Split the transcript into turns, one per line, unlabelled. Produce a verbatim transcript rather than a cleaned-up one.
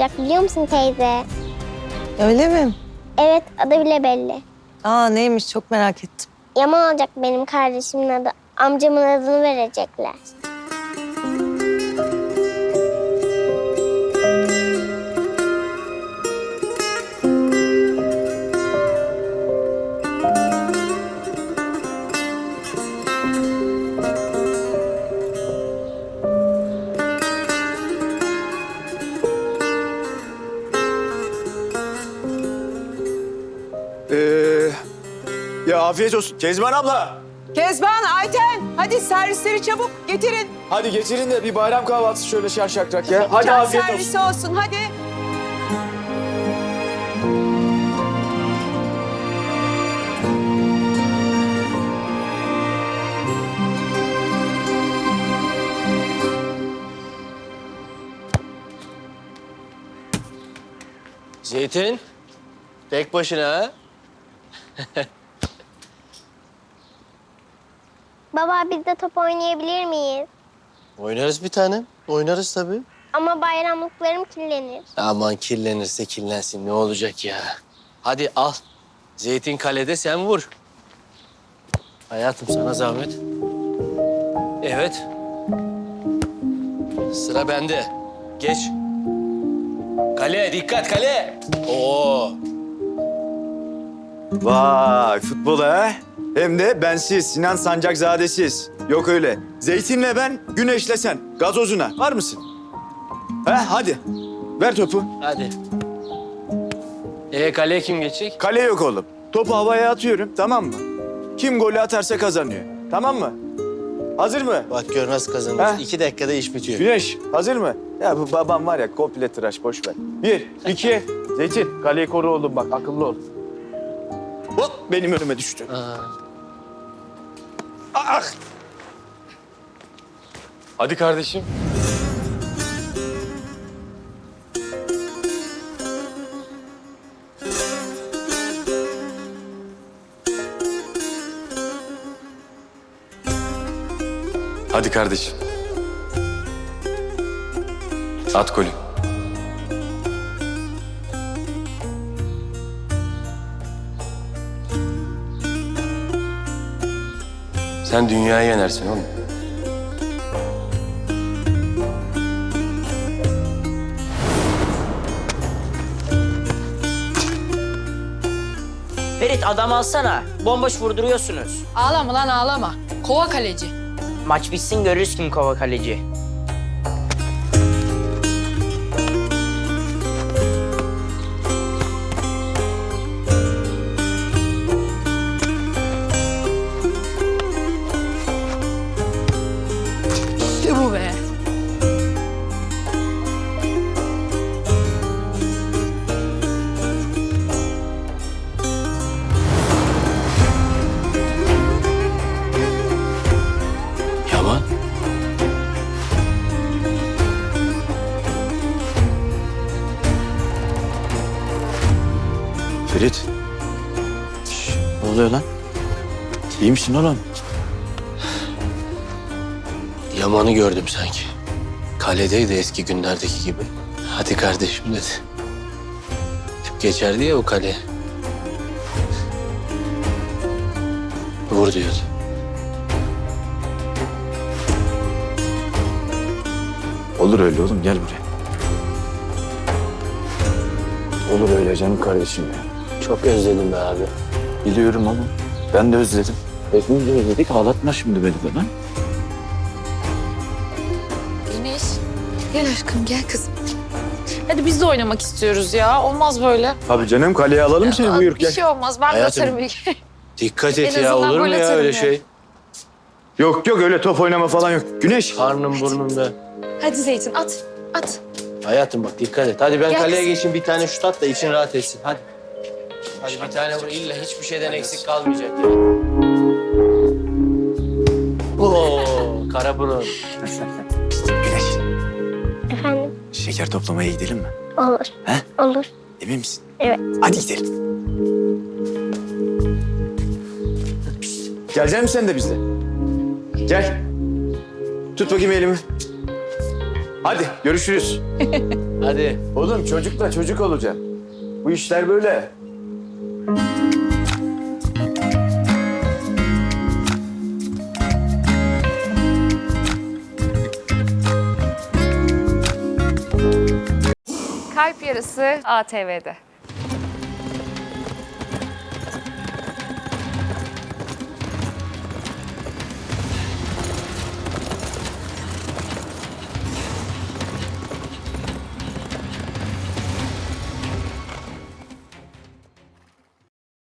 olacak biliyor musun teyze?
Öyle mi?
Evet, adı bile belli.
Aa neymiş çok merak ettim.
Yaman olacak benim kardeşimin adı. Amcamın adını verecekler.
Ee, ya afiyet olsun. Kezban abla.
Kezban, Ayten, hadi servisleri çabuk getirin.
Hadi getirin de bir bayram kahvaltısı şöyle şarşakrak ya. Hadi
Çay
afiyet
servisi
olsun.
olsun, hadi.
Zeytin, tek başına ha?
Baba biz de top oynayabilir miyiz?
Oynarız bir tanem, oynarız tabii.
Ama bayramlıklarım kirlenir.
Aman kirlenirse kirlensin, ne olacak ya? Hadi al, Zeytin kalede sen vur. Hayatım sana zahmet. Evet. Sıra bende. Geç. Kale, dikkat kale. Oo.
Vay futbol ha. Hem de bensiz, Sinan Sancakzadesiz. Yok öyle. Zeytinle ben, Güneşle sen. Gazozuna. Var mısın? He hadi. Ver topu.
Hadi. Ee kaleye kim geçecek?
Kale yok oğlum. Topu havaya atıyorum, tamam mı? Kim golü atarsa kazanıyor. Tamam mı? Hazır mı?
Bak görmez kazanırız.
Ha?
İki dakikada iş bitiyor.
Güneş, hazır mı? Ya bu babam var ya, komple tıraş, boş ver. Bir, iki, Zeytin, kaleyi koru oğlum bak, akıllı ol. Hop, benim önüme düştü.
Aa.
Ah!
Hadi kardeşim. Hadi kardeşim. At golü. Sen dünyayı yenersin oğlum.
Ferit adam alsana. Bomboş vurduruyorsunuz.
Ağlama lan ağlama. Kova kaleci.
Maç bitsin görürüz kim kova kaleci.
İşte bu be.
Yaman.
Ferit. Şş, ne oluyor lan? İyi misin oğlum?
Yaman'ı gördüm sanki. Kaledeydi eski günlerdeki gibi. Hadi kardeşim dedi. Hep geçerdi ya o kale. Vur diyordu.
Olur öyle oğlum, gel buraya. Olur öyle canım kardeşim ya.
Çok özledim be abi.
Biliyorum ama ben de özledim. Hepimiz de özledik, ağlatma şimdi beni bana.
Güneş. Gel aşkım gel kızım. Hadi biz de oynamak istiyoruz ya. Olmaz böyle.
Tabii canım, kaleye alalım seni, buyur
Bir
gel.
şey olmaz. Ben de
Hayatım.
atarım ilk.
Dikkat et
En
ya,
azından
olur mu
gol
ya
atarım
öyle
ya.
şey?
Yok yok, öyle top oynama falan yok. Güneş.
Karnım burnumda.
Hadi Zeytin at. At.
Hayatım bak dikkat et. Hadi ben
Gel
kaleye
kızım.
geçeyim, bir tane şut at da için rahat etsin. Hadi. Hadi bir tane vur. İlla hiçbir şeyden eksik kalmayacak ya. Oo, kara burun.
Güneş.
Efendim?
Şeker toplamaya gidelim mi?
Olur.
He?
Olur.
Emin misin?
Evet.
Hadi gidelim. Gelecek misin sen de bizle? Gel. Tut bakayım elimi. Hadi görüşürüz.
Hadi.
Oğlum çocukla çocuk olacak. Bu işler böyle.
Kalp Yarısı A T V'de.